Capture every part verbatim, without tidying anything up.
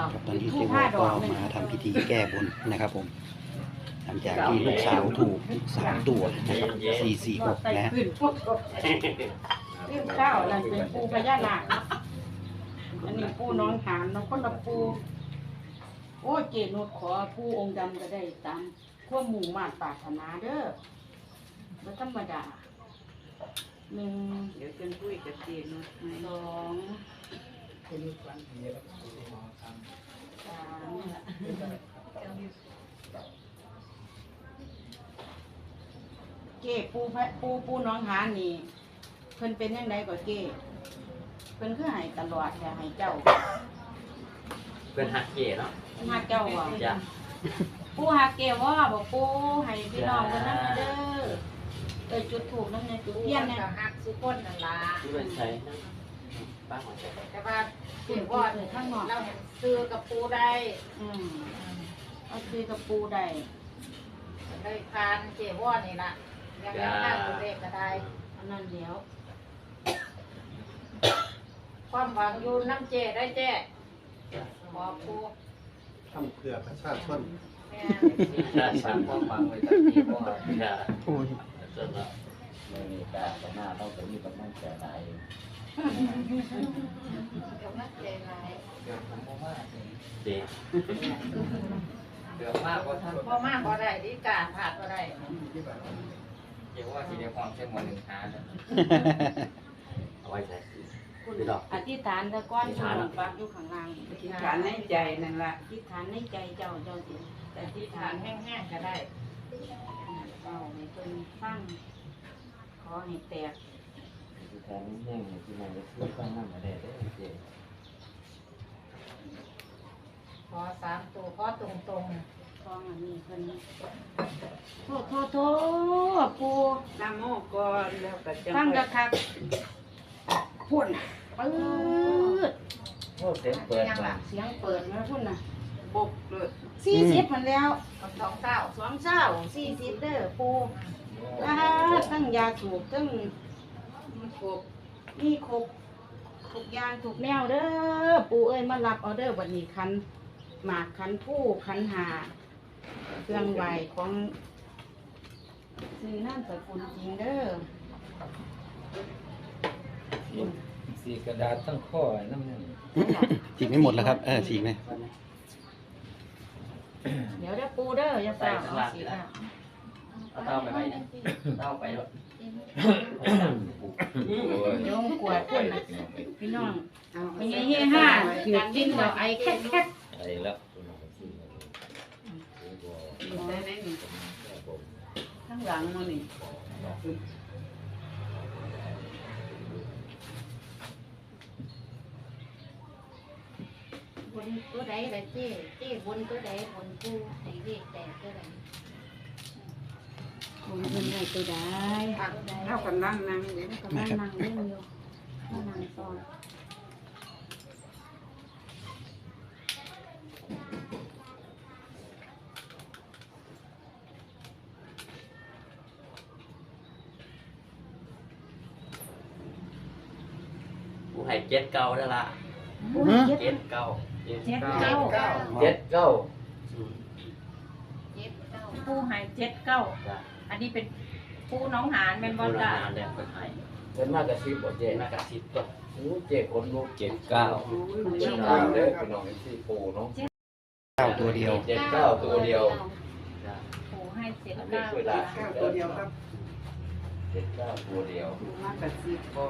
ตอนนี้เจ๊วอก็มาทำพิธีแก้บนนะครับผมหลังจากที่ลูกสาวถูกสามตัวนะครับสี่สี่หกนะขึ้นพวกขึ้นข้าวนั่นเป็นปูพญานาคอันนี้ปูน้องหานน้องคนละปูโอ้เจนุดขอปูองค์ดำก็ได้ตามขั้วหมู่มาปรารถนาเด้อไม่ธรรมดาหนึ่งเดี๋ยวจะคุยกับเจนุดสองสามเก้ปูพระปูปูน้องหานี่เพิ่นเป็นยังไงก็เก้เพิ่นคือให้ตลอดแค่ให้เจ้าเป็นหักเก๋เนาะหักเจ้าอ่ะจ้ะปูหักเก้ว่าบอกปูให้พี่น้องกันนั่นเด้อเออจุดถูกนั่นเนี่ยจุดเทียนเนี่ยหักสุก้นนั่นล่ะที่เป็นใช้นะป้าหัวใจแต่ว่าถือว่าข้างนอกเราเห็นซื้อกับปูได้อืมเอาซื้อกับปูได้ได้ทานเจ้ว่านี่ล่ะยังไม่ทานตัวเลขก็ได้อันนั้นเดี๋ยวความหวังอยู่น้ำเจได้เจ้ขอปูทำเพื่อประชาชนแม่ใช่สามความหวังไว้ตั้งที่พ่อจ้ะโอ้ยจนแล้วไม่มีการต่อหน้าต้องจะมีกำลังใจไหนเดี๋ยวน้ำเจไหลเดี๋ยวผมบอกว่าเด็กเดี๋ยวมากกว่าท่านพ่อมากก็ได้ดีการผ่านก็ได้เดี๋ยวว่าทีเดียวความเชื่อมันหนึ่งหาเนี่ยเอาไว้ใส่คุณอธิษฐานตะก้อนอยู่ปักอยู่ข้างล่างอธิษฐานในใจนั่นละอธิษฐานในใจเจ้าเจ้าสิแต่ที่ทานแห้งๆก็ได้เอาให้เพิ่นฟังขอให้แตกที่แทนแห้งๆที่มันจะช่วยข้างหน้ามาได้ได้เจ๊ขอสามตัวขอตรงคองอันนี้เพิ่นโทษโทษโทษปูน้ำโมก่อนแล้วก็จะฟังกะคักพุ่นปื๊ดโอ้เสียงเปิดมาเสียงเปิดมาพุ่นน่ะบกเลยสี่สิบมันแล้วๆคนสองเก้าสองเช้าสี่สิบเด้อปูอ่าทั้งยาสูบทั้งมันครบมีครบทุกอย่างทุกแนวเด้อปูเอ้ยมารับออเดอร์วันนี้คันหมากคันผู้คันหาเครื่องไหวของซื้อน้ำสกุลจริงเด้อสีกระดาษตั้งข้อน้ำนั่นฉีกไม่หมดแล้วครับเออฉีกไหมเดี๋ยวเด้อปูเด้ออย่าเปล่าเอาสิค่ะเอาเต้าไปไหมเนี่ยเต้าไปแล้วโยงกวดพุ่นน่ะพี่น้องเป็นไงเฮห้าถือกินเดี๋ยวไอแคทแคทไอ้แล้วอยู่ได้ไหนนี่ข้างหลังมันนี่บนตัวใดละเจ้เจ้บนตัวใดบนปูไอ้เลขแตกตัวใดคนเงินไหนตัวได้เท่ากันนั่งนั่งเดี๋ยวกำลังนั่งเล่นอยู่นั่งซ้อนกูให้เจ็ดเก้าได้ละปูเจ็ดเจ็ดเก้าเจ็ดเจ็ดเก้าเก้าเจ็ดเก้าเจ็ดเก้าปูหายเจ็ดเก้าจ้ะอันนี้เป็นปูน้องหานแม่นบอลจ้านานแล้วก็หายเป็นมากกว่าสิบบ่เจ๊มากระซิบก็โอ้เจ๊คนลูกเจ็ดเก้าเจ็ดเก้าเลยพี่น้องที่ปูเนาะเก้าตัวเดียวเจ็ดเก้าตัวเดียวจ้ะปูให้เจ็ดอันนี้เก้าช่วยได้ข้าวตัวเดียวครับเจ็ดเก้าตัวเดียวดูมากกระซิบบอก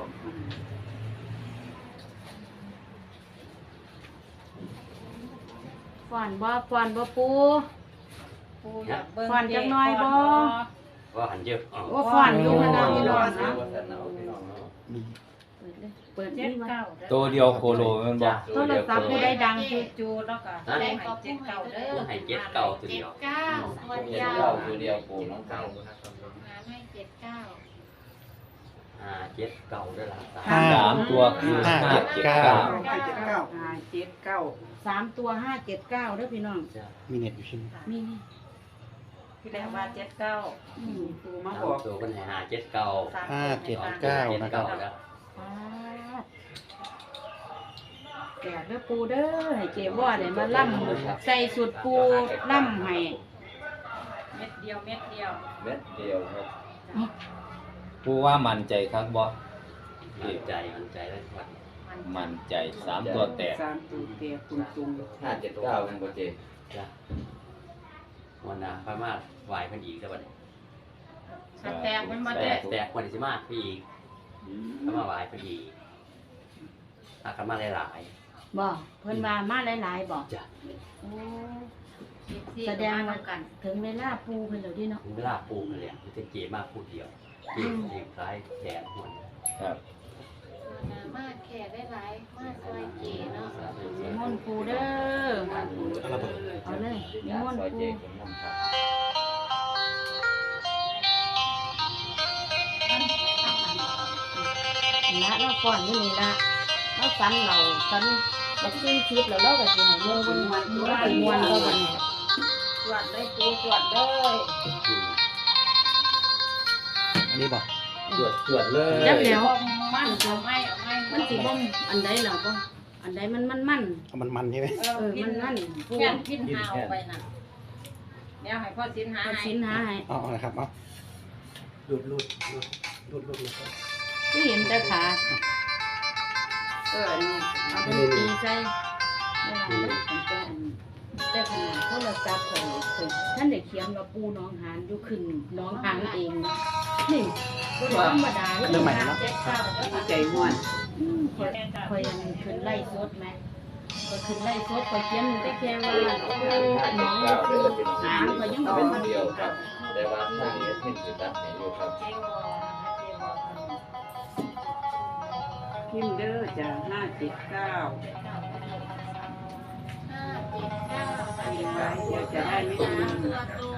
ฟอนบ่ฟอนบ่ปูปูอยากเบิ่งฟันจักหน่อยบ่ว่าหันเยอะอ๋อโอ้ฟอนอยู่ขนาดนี้ร้อนนะมีเปิดเลยเปิดเจ็นี่ดมาเก้าตัวเดียวโคโลมันบอกโทรศัพท์ผู้ใดดังจูจูแล้วก็ปูให้เจ็ดเก้าเด้อให้เจ็ดเก้าตัวเจ็เดีดยวเก้าตัวเจ็เดีดยวเก้าตัวเดียวปูน้องเก้าหาให้เจ็ดเก้าอ่าเจ็ดเก้าได้ละห้าสามตัวคือห้าห้าเจ็ดเจ็ดเก้าเก้าห้าเจ็ดเก้าห้าเจ็ดเก้าสามตัวห้าเจ็ดเก้าเด้อพี่น้องจ้ะมีเน็ตอยู่ใช่ไหมมีนี่ที่แรกว่าเจ็ดเก้าอืมปูมาสามบอกตัวเป็นให้หาเจ็ดเก้าสามห้าตัวเจ็ดในบ้านเก้าเจ็ดนะครับเก้าแล้วปาดแก่เด้อปูเด้อให้เจว่าได้มาล่ำใส่สุดปูล่ำให้เม็ดเดียวเม็ดเดียวเม็ดเดียวครับผู้ว่ามั่นใจครับบ่มั่นใจมั่นใจได้วันมั่นใจสามตัวแตกสามตัวแตกตุ่มตุ่มห้าเจ็ดเก้าเป็นโปรเจกต์จ้ะวันน่ะพม่าไหวเพิ่นอีกแล้วบัดนี้ถ้าแตกมันมาแตแตกกแตกวันที่สิมาพี่อีกพม่าไหวเพิ่นอีกถ้ากันมาหลายบ่เพิ่นว่ามาหลายๆบ่ๆจ้ะโอ้แสดงว่ากันถึงเวลาปูเพิ่นแล้วดิเนาะถึงเวลาปลูกนั่นแหละมันจะเก๋มากพูดเดียวเก๋เก๋คล้ายแขนหัวครับมาแค่ได้หลายมาซอยเก๋เนาะนิมนต์ปูเด้อเอาระเบิดเอาเลยนิมนต์ซอยปูเจผมนำครับละเราก่อนนี่นี่ละเราฟันเราฟันบักซี่ทิพย์แล้วเราก็สิให้เมืองบนวันเราไปมวนเราบัดนี้ตรวจเลยปูตรวจเลยอันนี้บอกตรวจตรวจเลยจับแล้วมันเอาไม่เอาไม่มันสิบ่มอันใดล่ะบ่อันใดมันมันมันเอามันมันใช่ไหมเอเอออมันมันปูแค่พินหาเอาไปน่ะเดี๋ยวให้พ่อสินหาเอาให้สินหาให้เอาเอาละครับเอาดูดรูดรูดรูดรูดนะครับคือเห็นแต่ขาเออนี่เอาเป็นตีใส่เวลาแต่ขนาดโทรศัพท์ของข่อยท่านได้เขียนว่าปูน้องหานอยู่ขึ้นน้องหานเองนี่ก็ธรรมดาเรื่องใหม่แล้วเจ็ดเก้าเด้อค่ะใจม่วนอืมข่อยข่อยยังขึ้นไล่สดไหมข่อยขึ้นไล่สดข่อยเขียนแต่แค่ว่าโอ้น้องคือหางข่อยยังบอกเป็นมันเดียวครับแต่ว่าทางนี้เพิ่นสิตัดให้อยู่ครับเจ๊วอเจ๊วอพิมพ์เด้อจ้ะห้าเจ็ดเก้าห้าเจ็ดเก้ามีไว้เดี๋ยวจะได้ไม่สาลืมมตัวตรง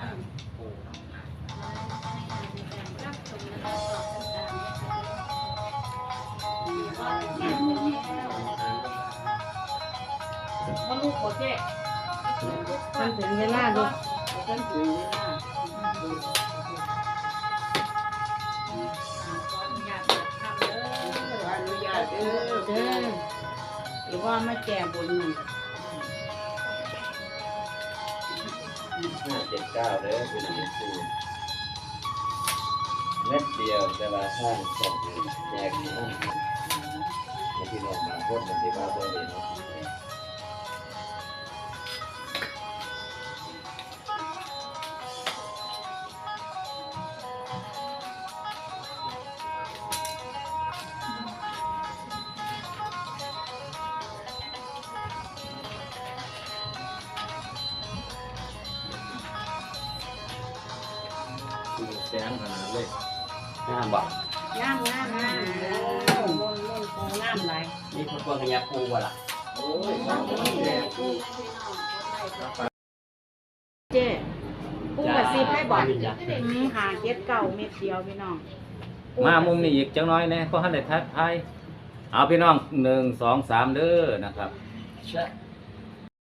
รับชมนะคะสอบตามว่าแก่แล้วมาลูกบ่เจ๊มันถึงเวลาดูต้นถึงเวลาขออนุญาตเปิดทำเด้อขออนุญาตเด้อเด้อหรือว่ามาแก่บนมันห้าเจ็ดเก้าเด้อเป็นเม็ดสูงเม็ดเดียวแต่ว่าห้างสองแจกที่ห้องในที่น้องบางคนมันสิว่าบ่ได้เนาะ แสงขนาดเลยน้ำบอกงามงามงามโอ้มนมนปูงามหลายนี่พวกพวกกันยาปูบ่ล่ะโอ้ยน้ำมันแดงเจ้ปูกระซิบให้บอกจ้ะอืมหาเก็ดเก่าเม็ดเดียวพี่น้องมามุมนี้อีกจังน้อยแน่เพราะท่านได้ทักทายเอาพี่น้องหนึ่งสองสามเด้อนะครับใช่